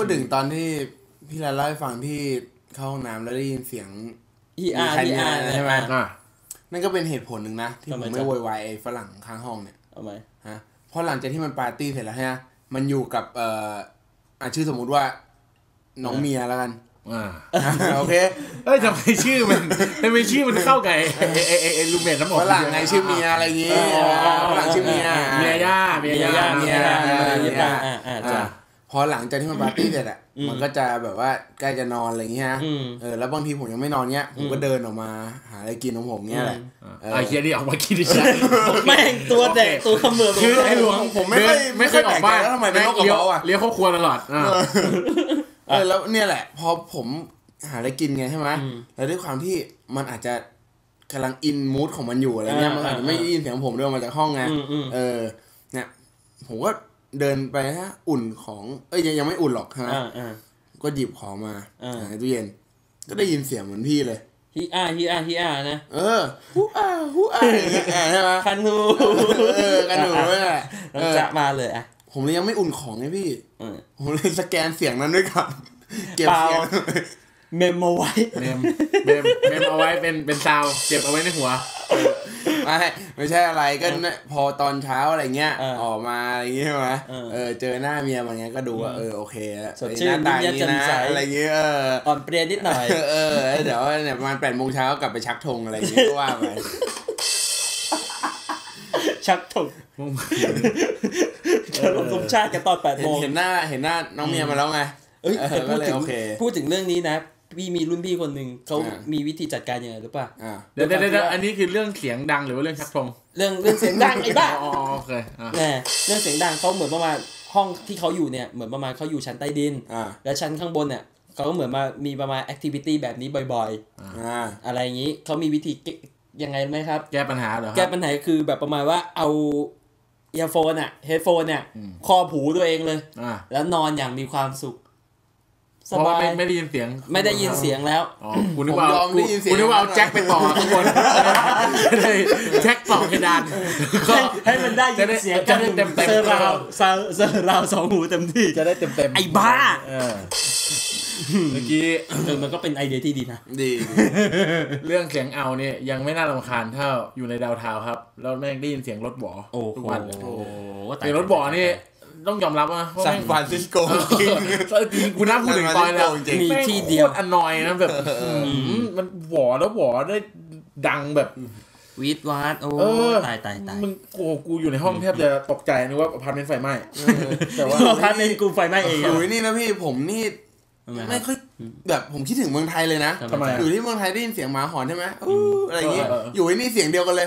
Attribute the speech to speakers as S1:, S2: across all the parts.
S1: ดถึงตอนที่พี่เล่าให้ฟังที่เข้าห้องน้ำแล้วได้ยินเสียง
S2: ER
S1: ใช่ไหมนั่นก็เป็นเหตุผลหนึ่งนะที่ผมไม่โวยวายไอ้ฝรั่งข้างห้องเนี่ย
S2: ทำไม
S1: ฮะเพราะหลังจากที่มันปาร์ตี้เสร็จแล้วฮะมันอยู่กับชื่อสมมุติว่าน้องเมียแล้วกันโอเค
S3: ทำไมชื่อมันเข้ากับไอ้ลูเมทน้ำหอม
S1: ฝรั่งไงชื่อเมียอะไรอย่างงี้ฝรั่งชื่อเมีย
S3: ย่า
S1: พอหลังจากที่มันปาร์ตี้เสร็จอ่ะมันก็จะแบบว่าใกล้จะนอนอะไรอย่างเงี้ยแล้วบางทีผมยังไม่นอนเงี้ยผมก็เดินออกมาหาอะไรกินของผมเงี้ยแหละ
S3: ไอ้เหี้ยนี่ออกมากินดิฉัน
S2: แม่งตัวแดกตัวเขมือบ
S1: คือผมไม่ค่อยออกบ้านแล้วทำไมเป็นโรคกระเพาะอ่ะ
S3: เลี้ยวเข้าครัวตลอด
S1: แล้วเนี่ยแหละพอผมหาอะไรกินไงใช่ไหมแล้วด้วยความที่มันอาจจะกำลังอินมูดของมันอยู่อะไรเงี้ยมันอาจจะไม่ได้ยินเสียงผมเดินมาจากห้องไงเนี่ยผมก็เดินไปฮะอุ่นของยังไม่อุ่นหรอกฮะก็หยิบของมาในตู้เย็นก็ได้ยินเสียงเหมือนพี่เลย
S2: ฮีอานะ
S1: ฮูอาใช่ไหม
S2: คันหู
S1: เนี่ย
S2: จะมาเลยอ่ะ
S1: ผมเลยยังไม่อุ่นของไงพี่ผมเลยสแกนเสียงนั้นด้วยก่อนเก็บเสียง
S2: เมมเอาไว้
S3: เอาไว้เป็นซาวเก็บเอาไว้ในหัว
S1: ไม่ใช่อะไรก็พอตอนเช้าอะไรเงี้ยออกมาอะไรเงี้ยใช่ไหมเจอหน้าเมียมันเงี้ยก็ดูว่าโอเค
S2: สดชื่น
S1: ตาดีนะอะไรเงี้ย
S2: อ่อนเปรี้ยนิดหน่อย
S1: เดี๋ยวเนี่ยประมาณ 8:00 นกลับไปชักธงอะไรเงี้ยก็ว่าไป
S2: ชักธงเฉลิมสมชาติกันตอน 8:00 น
S1: เห็นหน้าน้องเมียมาแล้วไง
S2: พูดถึงเรื่องนี้นะพี่มีรุ่นพี่คนหนึ่งเขามีวิธีจัดการยังไงหรือเปล่า
S3: เดี๋ยวอันนี้คือเรื่องเสียงดังหรือว่าเรื่องชักธง
S2: เรื่องเสียงดังไอ้บ้า
S3: โอเค
S2: เรื่องเสียงดังเขาเหมือนประมาณห้องที่เขาอยู่เนี่ยเหมือนประมาณเขาอยู่ชั้นใต้ดินและชั้นข้างบนเนี่ยเขาก็เหมือนมามีประมาณแอคทิวิตี้แบบนี้บ่อยๆอะไรอย่างนี้เขามีวิธียังไงไหมครับ
S3: แก้ปัญหาเหรอ
S2: แก้ปัญหาคือแบบประมาณว่าเอาเอียร์โฟนเฮดโฟนครอบหูตัวเองเลยแล้วนอนอย่างมีความสุข
S3: เพราะว่าไม่ได้ยินเสียง
S2: แล้ว
S3: คุณนึกว่าเอาแจ็คไปต่อข้างบนแจ็คต่อเพดาน
S2: ให้มันได้ยินเสียง
S3: จะได้เต็ม
S2: เซอร์ราว2 หูเต็มที่
S3: จะได้เต็ม
S2: ไอ้บ้า
S3: เมื่อกี้
S2: มันก็เป็นไอเดียที่ดีนะ
S1: ดี
S3: เรื่องเสียงเอาเนี่ยยังไม่น่ารำคาญเท่าอยู่ในดาวเทาครับแล้วแม่งได้ยินเสียงรถบ่อทุกวันเสียงรถบ่อนี่ต้องยอมรับว่า
S1: ซานฟรานซิสโก
S3: จริงคุณน่าพูดถึงตอนแล้ว
S2: มีที่เดียว
S3: อนอยนะแบบมันหวอแล้วหวอได้ดังแบบ
S2: วีดวาดโอ้ตาย
S3: มึงกูอยู่ในห้องแทบจะตกใจนึกว่าอพาร์ตเมนต์ไฟไหม้
S2: แต่ว่าอพาร์ตเมนต์กูไฟไหม้เอง
S1: นี่นะพี่ผมนี่ไม่ค่อยแบบผมคิดถึงเมืองไทยเลยนะอยู่ที่เมืองไทยได้ยินเสียงหมาหอนใช่ไหมอะไรอย่างงี้อยู่นี่เสียงเดียวกันเลย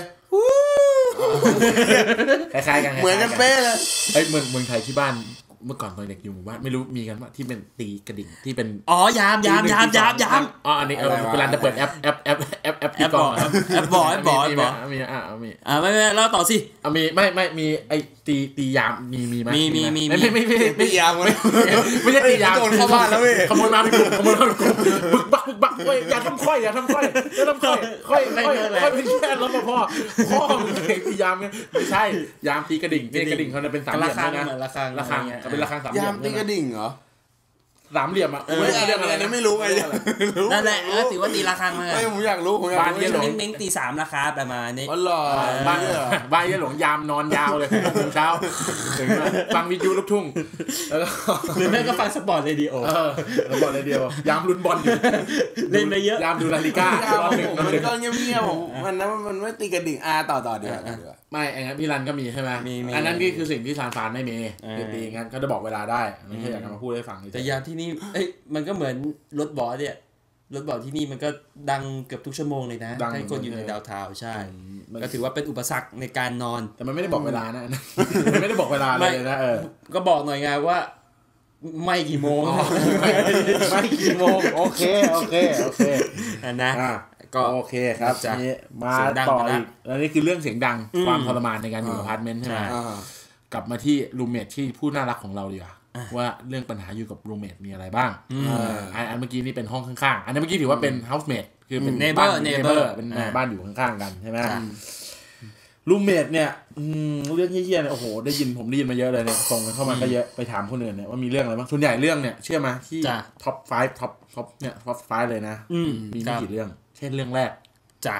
S3: คล้ายๆกัน
S1: เหมือนกันเป๊ะเลย
S3: เมืองไทยที่บ้านเมื่อก่อนตอนเด็กอยู่หมู่บ้านไม่รู้มีกันว่าที่เป็นตีกระดิ่งที่เป็น
S2: ยาม
S3: อันนี้เวลาจะเปิดแอปที่ก่อน
S2: แอปบอย
S3: มี
S2: ไม่เล่าต่อสิ
S3: ไม่มีไอ้ตียามมีมั้ย
S1: ไม่ยาม
S3: ไม่ใช่ตียาม
S1: โดนเข้าบ้านแล้วเว้ย
S3: ขโมยมาบึกบักเว้ยอย่าทำค่อยค่อยเป็นแค่รปภพ่อมึงตียามไม่ใช่ยามตีกระดิ่งเขาเป็นสามเหลี่ยมนะระฆังเป็นระฆังสามเหลี่ยม
S1: ยามตีกระดิ่งเหรอ
S3: สามเหลี่ยม
S1: ไม่เรื่องอะไรนะไม่รู้ไง
S2: นั่นแหละถือว่าตีระฆังมา
S1: ผมอยากรู้
S3: บ้านเยี่ยหลง
S2: เม้งตี3ราคาประมาณนี้
S1: อ๋อเหรอ
S3: บ้านเยี่ยหลงยามนอนยาวเลย6 โมงเช้าถึงฟังวิทยุลูกทุ่งแล้วก็
S2: หรือแม่ก็ฟังสปอร์ตเรดิโอ
S3: สปอร์ตเรดิโอยามลุ้นบอลอยู่
S2: เล่นไปเยอะ
S3: ยามดูนาฬิกา
S1: มันก็เงียบๆมันไม่ตีกระดิ่งต่อเดี๋ยว
S3: ไม่ไอ้งั้นพี่รันก็มีใช่ไหมอันนั้นนี่คือสิ่งที่ซานฟรานไม่มีตีงั้นเขาจะบอกเวลาได้ไม่ใช่อยากมาพูดให้ฟัง
S2: แต่ยามที่นี่มันก็เหมือนรถบอสเนี่ยรถบอสที่นี่มันก็ดังเกือบทุกชั่วโมงเลยนะให้คนอยู่ในดาวเทาใช่ก็ถือว่าเป็นอุปสรรคในการนอน
S3: แต่มันไม่ได้บอกเวลานะมันไม่ได้บอกเวลาเลยนะ
S2: ก็บอกหน่อยไงว่าไม่กี่โมง
S3: ไม่กี่โมงโอเค
S2: นะ
S3: ก็โอเคครับมาต่ออีกแล้วนี่คือเรื่องเสียงดังความทรมานในการอยู่อพาร์ตเมนต์ใช่ไหมกลับมาที่รูมเมทที่ผู้น่ารักของเราดีกว่าว่าเรื่องปัญหาอยู่กับรูมเมทมีอะไรบ้างอันเมื่อกี้นี่เป็นห้องข้างๆอันนี้เมื่อกี้ถือว่าเป็นเฮาส์เมทคือเป็น
S2: เนเบอร์
S3: เป็นบ้านอยู่ข้างๆกันใช่ไหมรูมเมทเนี่ยเรื่องเหี้ยๆเนี่ยโอ้โหผมได้ยินมาเยอะเลยเนี่ยส่งกันเข้ามาก็เยอะไปถามคนอื่นเนี่ยว่ามีเรื่องอะไรบ้างส่วนใหญ่เรื่องเนี่ยเชื่อมั้ยที่ท็อป5ท็อปเนี่ยท็อป5เลยนะมีไม่กี่เรื่องเช่นเรื่องแรก
S2: จ้ะ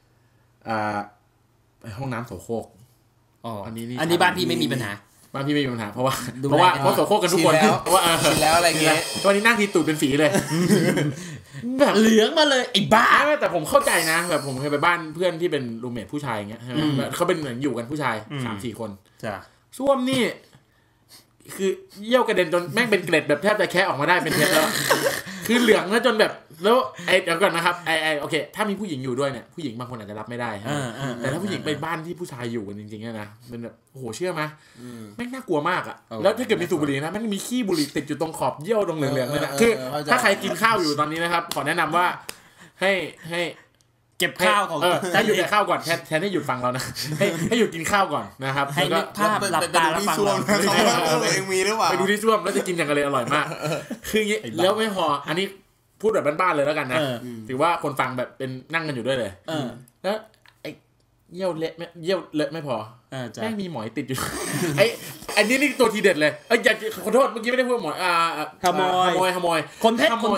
S3: ห้องน้ำโสโครก
S2: อันนี้บ้านพี่ไม่มีปัญหา
S3: บ้านพี่ไม่มีปัญหาเพราะโสโครกกันทุกคนเพราะว่า
S1: ชินแล้วอะไรเงี้ย
S3: ตอนนี้นั่งทีตูดเป็นฝีเลย
S2: แบบเหลืองมาเลยไอ้บ้า
S3: แต่ผมเข้าใจนะแบบผมเคยไปบ้านเพื่อนที่เป็นรูมเมทผู้ชายอย่างเงี้ยใช่ไหมเขาเป็นเหมือนอยู่กันผู้ชาย 3-4 คนส้วมนี่คือเยี่ยวกระเด็นจนแม่งเป็นเกล็ดแบบแทบจะแคะออกมาได้เป็นเพชรแล้วคือเหลืองแล้วจนแบบแล้วเดี๋ยวก่อนนะครับโอเคถ้ามีผู้หญิงอยู่ด้วยเนี่ยผู้หญิงบางคนอาจจะรับไม่ได้แต่ถ้าผู้หญิงไปบ้านที่ผู้ชายอยู่กันจริงๆนะมันแบบโอ้โหเชื่อไหมแม่งน่ากลัวมากอ่ะแล้วถ้าเกิดมีสูบบุหรี่นะมันมีขี้บุหรี่ติดอยู่ตรงขอบเยี่ยวตรงเหลืองๆเลยนะคือถ้าใครกินข้าวอยู่ตอนนี้นะครับขอแนะนำว่าให้
S2: เก็บข้าวของ
S3: ถ้าหยุดกินข้าวก่อนแทนให้หยุดฟังเรานะให้หยุดกินข้าวก่อนนะครับ
S2: ให้นึกภาพหลับตาแล้วฟัง
S1: เราเองมีหรือเปล่า
S3: ไปดูที่ส้วมแล้วจะกินอย่างไรอร่อยมากคืออย่างนี้แล้วไม่พออันนี้พูดแบบบ้านๆเลยแล้วกันนะถือว่าคนฟังแบบเป็นนั่งกันอยู่ด้วยเลยแล้วไอ้เยี่ยวเลอะไม่พอแม่งมีหมอยติดอยู่อันนี้นี่ตัวทีเด็ดเลยอย่าขอโทษเมื่อกี้ไม่ได้พูดหมอย
S2: ขโมยคนเพชรผม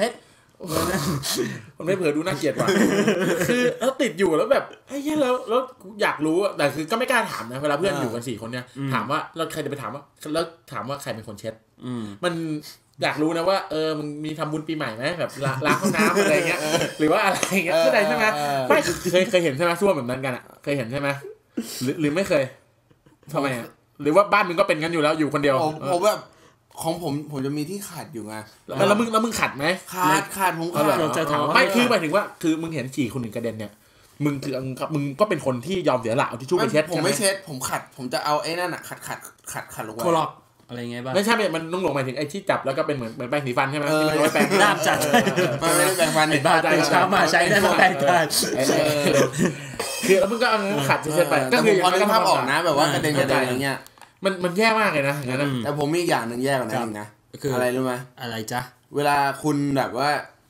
S3: ไม่เผื่อดูน่าเกลียดว่ะคือแล้วติดอยู่แล้วแบบไอ้เหี้ยแล้วอยากรู้แต่คือก็ไม่กล้าถามนะเวลาเพื่อนอยู่กัน4คนเนี่ยถามว่าเราใครจะไปถามว่าแล้วถามว่าใครเป็นคนเช็ดมันอยากรู้นะว่ามึงมีทำบุญปีใหม่ไหมแบบล้างห้องน้ำอะไรเงี้ยหรือว่าอะไรเงี้ยเข้าใจใช่ไหมไม่เคยเห็นใช่ไหมส้วมแบบนั้นกันอ่ะเคยเห็นใช่ไหมหรือไม่เคยทำไมหรือว่าบ้านมึงก็เป็นกันอยู่แล้วอยู่คนเดียว
S1: ผมแบบของผมจะมีที่ขาดอยู่ไง
S3: แล้วมึงขัดไหม
S1: ขาดผมขาด
S3: จะถามไม่คือหมายถึงว่าคือมึงเห็นฉี่คนหนึ่งกระเด็นเนี่ยมึงก็เป็นคนที่ยอมเสียหลักเอาทิชชู่ไปเช็ด
S1: ผมไม่เช็ดผมขัดผมจะเอาไอ้นั่นอ่ะขัดลงไว้
S2: โคลอกอะไรเงี้ยบ้าง
S3: ไม่ใช่มันต้องลงหมายถึงไอ้ที่จับแล้วก็เป็นเหมือนแปรงสีฟันใช่ไหมที่มันไว้แปรง
S2: ด้ามจัด
S1: มันไม่ได้แปรงฟัน
S2: ไอ้บ้าตื่นเช้ามาใช้ได้มาแปรงฟัน
S3: คือแล้วมึงก็เอาขัดเช็ดไป
S1: ก็คือพอนึกภาพออกนะแบบว่ากระเด็นอย่างเงี้ย
S3: มันแย่มากเลยนะอย่างนั้น
S1: แต่ผมมีอย่างนึงแย่กว่านั้นอีกนะอะไรรู้ไหม
S2: อะไรจ๊ะ
S1: เวลาคุณแบบว่า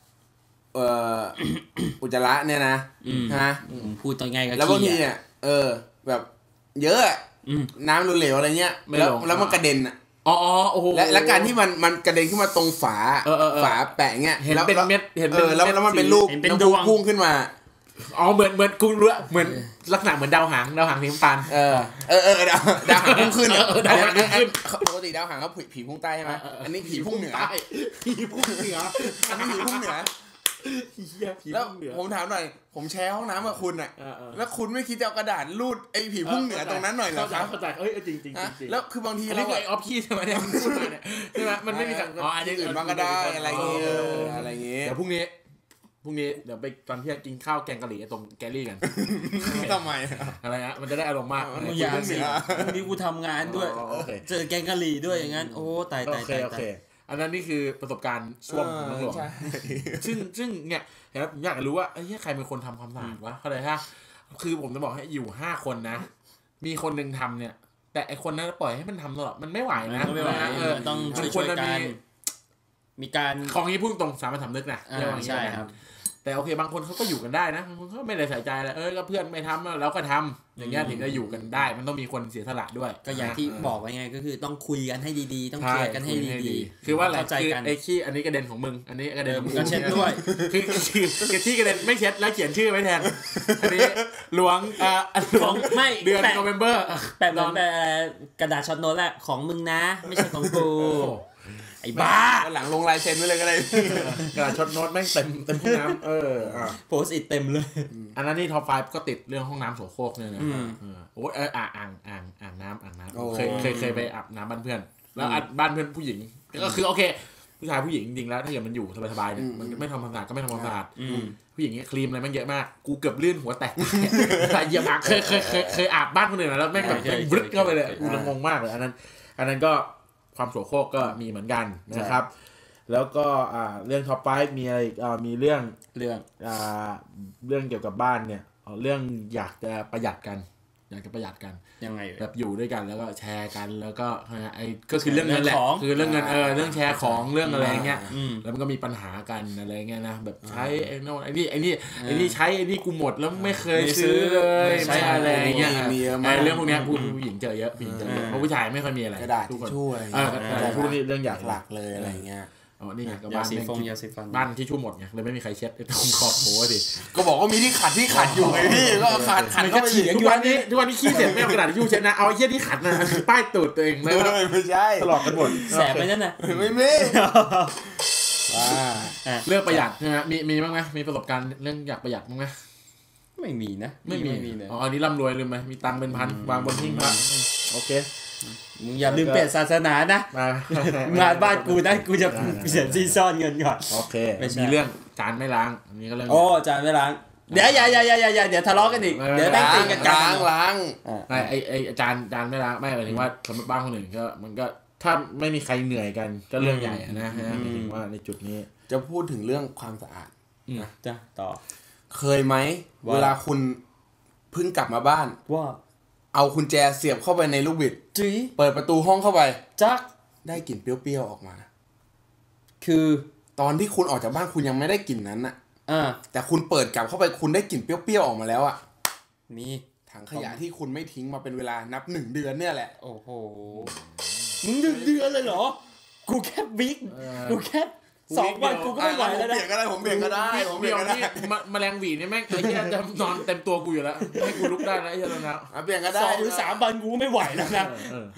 S1: อุจจาระเนี่ยนะ
S2: พูดต่อไงกับ
S1: แล้วบางทีเนี่ยแบบเยอะน้ำเหลวๆอะไรเงี้ยแล้วมันกระเด็นอ่ะ
S3: โอ้โห
S1: และการที่มันกระเด็นขึ้นมาตรงฝาแปะเงี้ย
S3: เห็นเป็นเม็ดเห็น
S1: แล้วมันเป็นรูปน้ำพุ่งขึ้นมา
S3: เหมือนกูรู้เหมือนลักษณะเหมือนดาวหางสีน้ำตาล
S1: ดาวหางพุ่งขึ้นดาวหางขึ้นปกติดาวหางเขาผีพุ่งใต้ใช่ไหมอันนี้ผีพุ่งเหนือ
S3: ผีพุ่งเหนือ
S1: อันนี้ผีพุ่งเหนือแล้วผมถามหน่อยผมแชร์ห้องน้ำกับคุณอ่ะแล้วคุณไม่คิดจะเอากระดาษรูดไอ้ผีพุ่งเหนือตรงนั้นหน่อยเหรอครับ
S3: เข้าใจจริง
S1: แล้วคือบางที
S3: เราไอ้ออฟคีใช่ไหมเนี่ยมันพูดมาเนี่ยใช่ไหมมันไม่มีสั่ง
S1: อันนี้อื่นบ้างก็ได้อะไรเงี้ย
S3: เดี๋ยวพรุ่งนี้เดี๋ยวไปตอนเที่ยงกินข้าวแกงกะหรี่ตรงแกลลี่กัน
S1: ทำไม
S3: อะไรฮะมันจะได้อารมณ์มาก
S2: มึงอยากสิพรุ่งนี้กูทำงานด้วยเจอแกงกะหรี่ด้วยอย่างนั้นโอ้ตาย
S3: อันนั้นนี่คือประสบการณ์ช่วงน้องหลวงซึ่งเนี่ยผมอยากรู้ว่าใครเป็นคนทำความสะอาดวะเข้าใจฮะคือผมจะบอกให้อยู่5คนนะมีคนนึงทำเนี่ยแต่ไอคนนั้นปล่อยให้มันทำตลอดมันไม่ไหวนะ
S2: ต้องช่วยกันมีการ
S3: ของนี้พูดตรงสามัญสำนึกนะ
S2: ใช่ครับ
S3: แต่โอเคบางคนเขาก็อยู่กันได้นะบางคนเขาไม่ได้ใส่ใจอะไรก็เพื่อนไม่ทำแล้วก็ทำอย่างเงี้ยถึงจะอยู่กันได้มันต้องมีคนเสียสละด้วย
S2: ก็อย่างที่บอกไว้ไงก็คือต้องคุยกันให้ดีๆต้องเคลียร์กันให้ดี
S3: ๆคือว่าอะไรคือไอ้ขี้อันนี้กระเด็นของมึงอันนี้กระเด็น
S2: มึงก็เช็ดด้วย
S3: คือที่กระเด็นไม่เช็ดแล้วเขียนชื่อไว้แทนอันนี้หลวง
S2: ไม่
S3: เดือนโนเวมเบอร์
S2: แปะกระดาษช็อตโน้ตแหละของมึงนะไม่ใช่ของกูไอ้บ้า
S1: หลังลงลายเซ็นไว้เลยก็ได้
S3: กระดาษช็อตโน้ตแม่งเต็มห้องน้ำ
S2: โพสต์อิทเต็มเลย
S3: อันนั้นนี่ท็อป5ก็ติดเรื่องห้องน้ำโสโครกเนี่ยนะโอ้ยอ่างน้ำเคยไปอาบน้ำบ้านเพื่อนแล้วบ้านเพื่อนผู้หญิงก็คือโอเคผู้ชายผู้หญิงจริงๆแล้วถ้าเกิดมันอยู่สบายๆเนี่ยมันไม่ทำความสะอาดก็ไม่ทำความสะอาดผู้หญิงเนี่ยครีมอะไรมันเยอะมากกูเกือบลื่นหัวแตกเหยียบอ่างเคยอาบบ้านคนอื่นแล้วแม่งแบบบลึ๊ดเข้าไปเลยกูงงมากเลยอันนั้นก็ความโสโครกก็มีเหมือนกันนะครับแล้วก็เรื่องท็อป5มีอะไรมีเรื่องเกี่ยวกับบ้านเนี่ยเรื่องอยากจะประหยัดกันอยากจะประหยัดกัน
S2: ยังไง
S3: แบบอยู่ด้วยกันแล้วก็แชร์กันแล้วก็ไอ้ก็คือเรื่องเงินแหละคือเรื่องเงินเรื่องแชร์ของเรื่องอะไรเงี้ยแล้วมันก็มีปัญหากันอะไรเงี้ยนะแบบใช้ไอ้โน่นไอ้นี่ใช้ไอ้นี่กูหมดแล้วไม่เคยซื้อเลยใช้อะไรเงี้ยเรื่องพวกนี้ผู้หญิงเจอเยอะเพราะผู้ชายไม่ค่อยมีอะไร
S1: ทุกคนช่วย
S3: ทุกเรื่องอยาก
S1: หลักเลยอะไรเงี้ย
S3: นี่ไงก็บ้านบ้านที่ชุ่มหมดไงเลยไม่มีใครเช็ดตรงขอบโถดิ
S1: ก็บอกว่ามีที่ขัดอยู่ไงพี่ก็ขัดเข้าไป
S3: ทุกวันนี้ขี้เสร็จไม่เอากระดาษทิชชู่เช็ดนะเอาไอ้เหี้ยที่ขัดนะป้ายตูดตัวเอง
S1: ไม่ใช่
S3: ตลอดกันหมด
S2: แสบไปนั่นน่ะ
S1: ไม่
S3: เรื่องประหยัดใช่ไหมมีบ้างไหมมีประสบการณ์เรื่องอยากประหยัดบ้างไหม
S2: ไม่มีนะ
S3: ไม่มีเลยอันนี้ร่ำรวยเลยไหมมีตังค์เป็นพันวางบนหิ้งพระโอเค
S2: มึงอย่าลืมเปลี่ยนศาสนานะมาบ้านกูนะกูจะเสียที่ซ่อนเงินก่อน
S3: โอเคมีเรื่องจานไม่ล้างอันนี้ก็เรื่อง
S2: จานไม่ล้างเดี๋ยวอย่าเดี๋ยวทะเลาะกันอีกเดี๋ยวตั้งตีกัน
S1: ล้าง
S3: ไอ้จานไม่ล้างไม่หมายถึงว่าสมมติบ้านคนอื่นก็มันก็ถ้าไม่มีใครเหนื่อยกันก็เรื่องใหญ่นะหมายถึงว่าในจุดนี้
S1: จะพูดถึงเรื่องความสะอาด
S2: นะจ้ะต่อ
S1: เคยไหมเวลาคุณเพิ่งกลับมาบ้าน
S2: ว่า
S1: เอากุญแจเสียบเข้าไปในลูกบิดเปิดประตูห้องเข้าไป
S2: จัก
S1: ได้กลิ่นเปรี้ยวๆออกมา
S2: คือ
S1: ตอนที่คุณออกจากบ้านคุณยังไม่ได้กลิ่นนั้นน่ะแต่คุณเปิดกลับเข้าไปคุณได้กลิ่นเปรี้ยวๆออกมาแล้วอ่ะ
S2: มี
S1: ถังขยะที่คุณไม่ทิ้งมาเป็นเวลานับ1 เดือนเนี่ยแหละ
S2: โอ้โหมึง1 เดือนเลยเหรอกูแค่บิ๊กกูแค่2 วันกูก็ไม่ไหวแล้วนะ
S1: ผมเบี่ยงก็ได้
S3: ผมเบี่ยงนี่แมลงหวีเนี่ยแม่งไอ้เหี้ยจะนอนเต็มตัวกูอยู่แล้วให้กูลุกได้นะไอ้เหี้ยแล้วนะ
S1: เบี่ยงก็ได้
S2: 2 หรือ 3 วันกูไม่ไหวแล้วนะ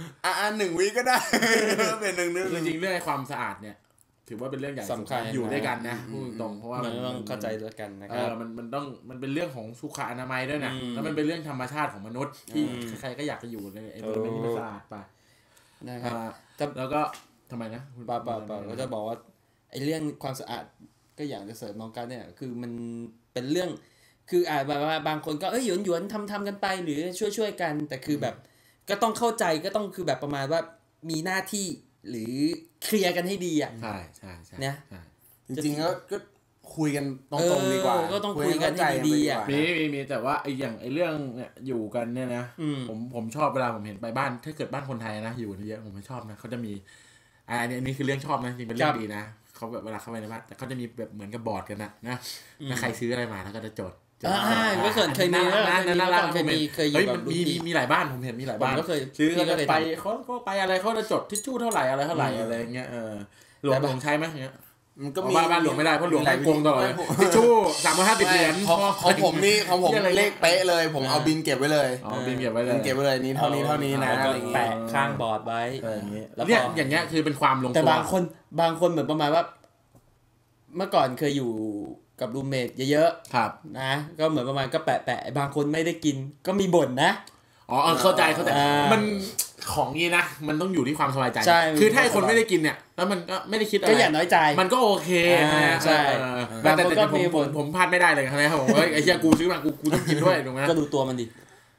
S1: 1 วีก็ได้เปลี่ยน1 เดือน
S3: จริงๆเรื่องความสะอาดเนี่ยถือว่าเป็นเรื่องใหญ่
S2: สำคัญ
S3: อยู่ด้วยกันนะพูดตรงเพราะว่า
S2: มันต้องเข้าใจด้วยกันนะครับ
S3: มันเป็นเรื่องของสุขอนามัยด้วยนะแล้วมันเป็นเรื่องธรรมชาติของมนุษย์ที่ใครก็อยากจะอยู่ในไอ้บริเวณที่สะอาดไปนะครับแล้วก็ทำไมนะ
S2: ป่าก็จะบอกว่าไอ้เรื่องความสะอาดก็อย่างจะเสริมมองกันเนี่ยคือมันเป็นเรื่องคือแบบว่าบางคนก็หยวนทำกันไปหรือช่วยกันแต่คือแบบก็ต้องเข้าใจก็ต้องคือแบบประมาณว่ามีหน้าที่หรือเคลียร์กันให้ดีอ่ะ
S3: ใช่
S2: นะ
S1: จริงๆก็คุยกันตรงๆดีกว่า
S2: ก็ต้องคุยกันให้ดีอ่ะ
S3: มีแต่ว่าไอ้อย่างไอ้เรื่องเนี่ยอยู่กันเนี่ยนะผมชอบเวลาผมเห็นไปบ้านถ้าเกิดบ้านคนไทยนะอยู่เยอะผมไม่ชอบนะเขาจะมีอันนี้คือเรื่องชอบนะจริงเป็นเรื่องดีนะเขาแบบเวลาเข้าไปในบ้านแต่เขาจะมีแบบเหมือนกับบอร์ดกันนะใครซื้ออะไรมาแล้วก็จะจด
S2: ก็เคยมี
S3: เคยอยู่มีหลายบ้านผมเห็นมีหลายบ้านซื้อเขาไปเขาไปอะไรเขาจะจดทิชชู่เท่าไหร่อะไรเงี้ยหลวงใช้ไหมเงี้ยมันก็มีบ้านหลวงไม่ได้เพราะหลวงโกงตลอดทิชชู่350 เหรียญ
S1: ของผมเลขเป๊ะเลยผมเอาบินเก็บไว้เลย
S3: บินเก็บไว้เลย
S1: นี้เท่านี้นะอะไรเงี้ย
S2: แปะข้างบอร์ดไว้
S3: แล้วอย่างเงี้ยคือเป็นความลงตัว
S2: แต่บางคนเหมือนประมาณว่าเมื่อก่อนเคยอยู่กับรูมเมทเยอะ
S3: ๆครับ
S2: นะก็เหมือนประมาณก็แปะบางคนไม่ได้กินก็มีบ่นนะ
S3: เข้าใจมันของนี้นะมันต้องอยู่ที่ความสบายใจคือถ้าคนไม่ได้กินเนี่ยแล้วมันก็ไม่ได้คิดอะไร
S2: ก็อย่าน้อยใจ
S3: มันก็โอเค
S2: ใช่
S3: แต่ผมพลาดไม่ได้เลยครับผมไอ้เหี้ยกูซื้อมากูต้องกินด้วยถูกไหม
S2: ก็ดูตัวมันดิ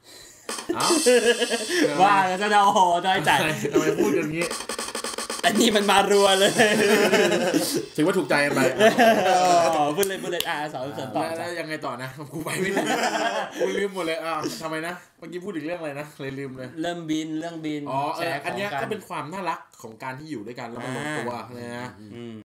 S2: ว่าแล้วจะน้อยใจ
S3: ทำไมพูดอย่างนี้
S2: อันนี้มันมารัวเลย
S3: ถือว่าถูกใจกันไป
S2: พูดเลยสอนต่อ
S3: แล้วยังไงต่อนะกูไปไม่ได้กูลืมหมดเลยทำไมนะเมื่อกี้พูดถึงเรื่องอะไรนะเลยลืมเลย
S2: เรื่องบิน
S3: อันนี้ก็เป็นความน่ารักของการที่อยู่ด้วยกันแล้วมันลงตัวนะ